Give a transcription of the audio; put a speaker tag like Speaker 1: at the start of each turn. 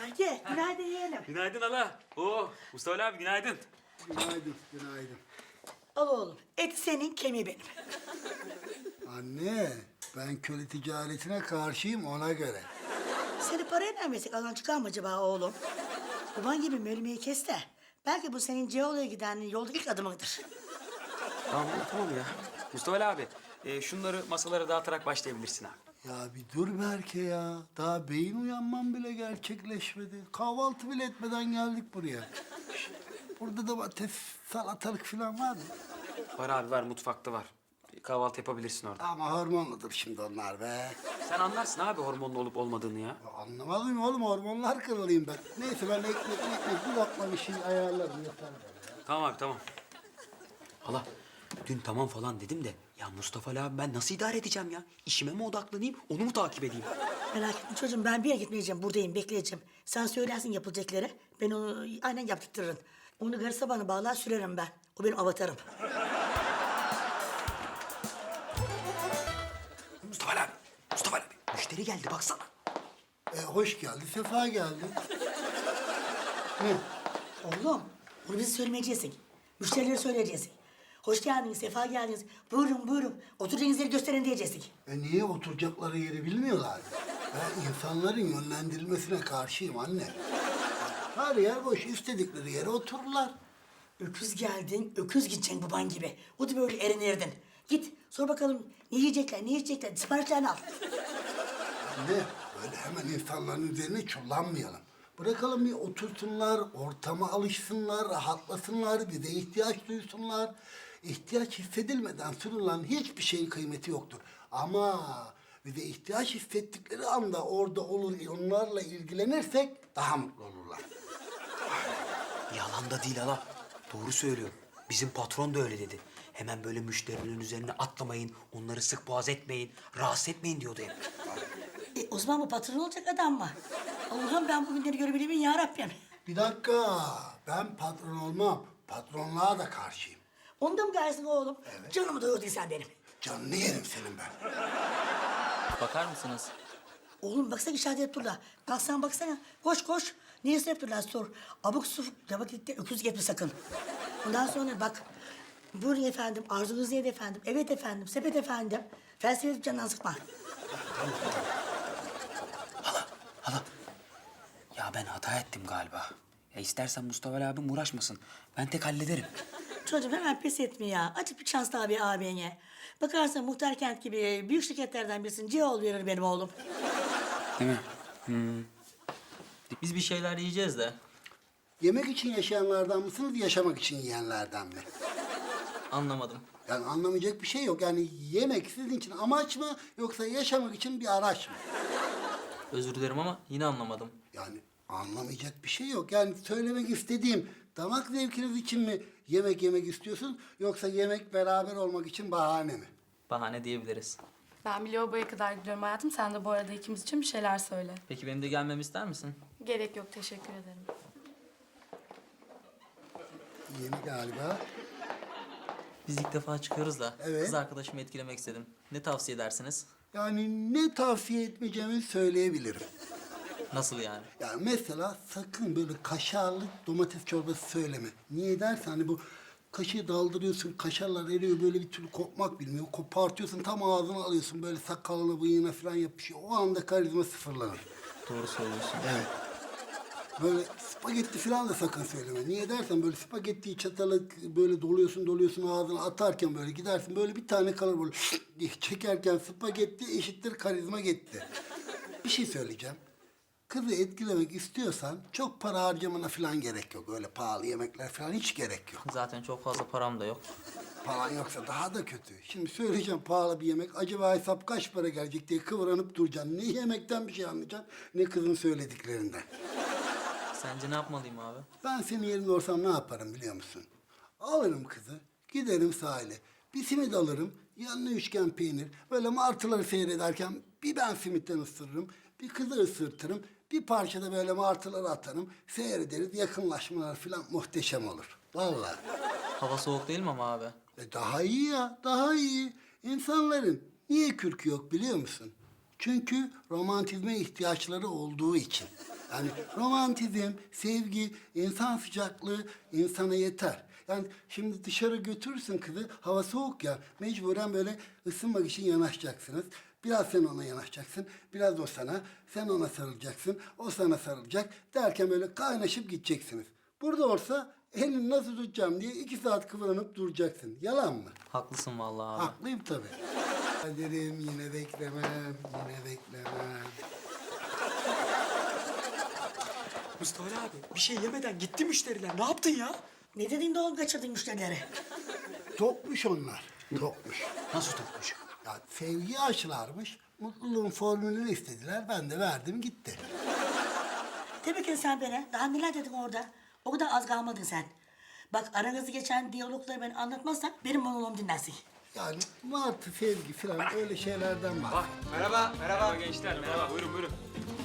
Speaker 1: Haydi, günaydın yeğenim.
Speaker 2: Günaydın hala. Oo, Mustafa abi günaydın.
Speaker 3: Günaydın, günaydın.
Speaker 1: Al oğlum, et senin, kemiği benim.
Speaker 3: Anne, ben köle ticaretine karşıyım ona göre.
Speaker 1: Seni paraya vermesek alan çıkar mı acaba oğlum? Baban gibi mölmeyi kes de. Belki bu senin Ceoğlu'ya giden yolda ilk adımıdır.
Speaker 2: Tamam ya. Mustafa abi, şunları masalara dağıtarak başlayabilirsin abi.
Speaker 3: Ya bir dur Berke ya. Daha beyin uyanmam bile gerçekleşmedi. Kahvaltı bile etmeden geldik buraya. Şişt, burada domates, salatalık falan var mı?
Speaker 2: Var abi var, mutfakta var. Kahvaltı yapabilirsin orada.
Speaker 3: Ama hormonludur şimdi onlar be.
Speaker 2: Sen anlarsın abi hormonlu olup olmadığını ya.
Speaker 3: Ya anlamaz mıyım oğlum? Hormonlar kralıyım ben. Neyse ben ekmek bir lokma bir şey ayarlarım yeter bana ya.
Speaker 2: Tamam abi tamam. Hala, dün tamam falan dedim de ya Mustafa abi ben nasıl idare edeceğim ya? İşime mi odaklanayım, onu mu takip edeyim?
Speaker 1: Merak etme çocuğum, ben bir yere gitmeyeceğim, buradayım, bekleyeceğim. Sen söylersin yapılacakları, ben onu aynen yaptırtırırım. Onu garısa bana bağlar sürerim ben. O benim avatarım.
Speaker 2: Mustafa abi, müşteri geldi baksana.
Speaker 3: Hoş geldi, sefa geldi. Ne?
Speaker 1: Oğlum, bunu bize söylemeyeceksin. Müşterilere söyleyeceksin. Hoş geldiniz, sefa geldiniz. Buyurun, buyurun. Oturacağınız yeri gösterin diyeceksin.
Speaker 3: Niye oturacakları yeri bilmiyorlar? Ben insanların yönlendirilmesine karşıyım anne. Her yer boş, istedikleri yere otururlar.
Speaker 1: Öküz geldin, öküz gideceksin baban gibi. O da böyle erinerdin. Git, sor bakalım ne yiyecekler, ne içecekler, siparişlerini al.
Speaker 3: Anne, böyle hemen insanların üzerine çullanmayalım. Bırakalım bir otursunlar, ortama alışsınlar, rahatlasınlar, bize ihtiyaç duysunlar. İhtiyaç hissedilmeden sunulan hiçbir şeyin kıymeti yoktur. Ama bize ihtiyaç hissettikleri anda orada olur, onlarla ilgilenirsek daha mutlu olurlar.
Speaker 4: Yalan da değil hala. Doğru söylüyor. Bizim patron da öyle dedi. Hemen böyle müşterilerin üzerine atlamayın, onları sık boğaz etmeyin, rahatsız etmeyin diyordu hep.
Speaker 1: O zaman bu patron olacak adam mı? Allah'ım ben bugünleri görebilir miyim ya Rabbim?
Speaker 3: Bir dakika, ben patron olmam, patronluğa da karşıyım.
Speaker 1: Onu da mı gelsin oğlum? Evet. Canımı doyurdun sen benim.
Speaker 3: Canını yerim senin ben.
Speaker 5: Bakar mısınız?
Speaker 1: Oğlum baksana işaret edip durlar. Baksana baksana. Koş koş. Niye hep durlar sor. Abuk sufuk vakitte öküz getme sakın. Ondan sonra bak. Buyurun efendim. Arzunuz neydi efendim? Evet efendim. Sepet efendim. Felsefe edip canından sıkma.
Speaker 4: Hala, ya ben hata ettim galiba. Ya istersen Mustafa abim uğraşmasın. Ben tek hallederim.
Speaker 1: Çocuğum hemen pes etme ya. Açık bir şans daha bir ağabeyine. Bakarsan Muhtar Kent gibi büyük şirketlerden birisinin Ceoğlu verir benim oğlum.
Speaker 4: Değil mi?
Speaker 5: Biz bir şeyler yiyeceğiz de.
Speaker 3: Yemek için yaşayanlardan mısınız, yaşamak için yiyenlerden mi?
Speaker 5: Anlamadım.
Speaker 3: Yani anlamayacak bir şey yok. Yani yemek sizin için amaç mı yoksa yaşamak için bir araç mı?
Speaker 5: Özür dilerim ama yine anlamadım.
Speaker 3: Yani anlamayacak bir şey yok. Yani söylemek istediğim damak zevkiniz için mi yemek yemek istiyorsun yoksa yemek beraber olmak için bahane mi?
Speaker 5: Bahane diyebiliriz.
Speaker 6: Ben bir lavaboya kadar gidiyorum hayatım. Sen de bu arada ikimiz için bir şeyler söyle.
Speaker 5: Peki benim de gelmemi ister misin?
Speaker 6: Gerek yok, teşekkür ederim.
Speaker 3: Yeni galiba.
Speaker 5: Biz ilk defa çıkıyoruz da
Speaker 3: Evet.
Speaker 5: kız arkadaşımı etkilemek istedim. Ne tavsiye edersiniz?
Speaker 3: Yani ne tavsiye etmeyeceğimi söyleyebilirim.
Speaker 5: Nasıl yani?
Speaker 3: Yani mesela sakın böyle kaşarlı domates çorbası söyleme. Niye dersen hani bu kaşığı daldırıyorsun, kaşarlar eriyor böyle bir türlü kopmak bilmiyor. Kopartıyorsun tam ağzına alıyorsun böyle sakalına bıyığına falan yapışıyor. O anda karizma sıfırlanır.
Speaker 5: Doğru söylüyorsun.
Speaker 3: Evet. Böyle spagetti falan da sakın söyleme. Niye dersen böyle spagettiyi çatalı böyle doluyorsun ağzına atarken böyle gidersin. Böyle bir tane kalır böyle diye çekerken spagetti eşittir karizma gitti. Bir şey söyleyeceğim. Kızı etkilemek istiyorsan çok para harcamana falan gerek yok. Öyle pahalı yemekler falan hiç gerek yok.
Speaker 5: Zaten çok fazla param da yok.
Speaker 3: Paran yoksa daha da kötü. Şimdi söyleyeceğim pahalı bir yemek. Acaba hesap kaç para gelecek diye kıvranıp duracaksın. Ne yemekten bir şey anlayacaksın ne kızın söylediklerinden.
Speaker 5: Sence ne yapmalıyım abi?
Speaker 3: Ben senin yerinde olsam ne yaparım biliyor musun? Alırım kızı, giderim sahile. Bir simit alırım, yanına üçgen peynir. Böyle martıları seyrederken bir ben simitten ısırırım, bir kızı ısırtırım. Bir parça da böyle martıları atarım. Seyrederiz, yakınlaşmalar falan muhteşem olur. Vallahi.
Speaker 5: Hava soğuk değil mi ama abi?
Speaker 3: Daha iyi ya, daha iyi. İnsanların niye kürkü yok biliyor musun? Çünkü romantizme ihtiyaçları olduğu için. Yani romantizm, sevgi, insan sıcaklığı insana yeter. Yani şimdi dışarı götürürsün kızı, hava soğuk ya, mecburen böyle ısınmak için yanaşacaksınız. Biraz sen ona yanaşacaksın, biraz o sana, sen ona sarılacaksın, o sana sarılacak derken böyle kaynaşıp gideceksiniz. Burada olsa elini nasıl tutacağım diye 2 saat kıvranıp duracaksın. Yalan mı?
Speaker 5: Haklısın vallahi abi.
Speaker 3: Haklıyım tabii. Kaderim yine beklemem, yine beklemem.
Speaker 2: Mustafa Ali abi bir şey yemeden gitti müşteriler. Ne yaptın ya?
Speaker 1: Ne dedin de oğlum kaçırdın müşterileri?
Speaker 3: Tokmuş onlar, tokmuş.
Speaker 2: Nasıl tutmuş?
Speaker 3: Ya sevgiyi aşılarmış, mutluluğun formülünü istediler, ben de verdim gitti.
Speaker 1: Tebrik et sen beni. Daha neler dedin orada? O kadar az kalmadın sen. Bak aranızda geçen diyalogları ben anlatmazsam benim monoloğumu dinlersin.
Speaker 3: Yani martı, sevgi falan öyle şeylerden var.
Speaker 2: Merhaba gençler. Merhaba. Buyurun.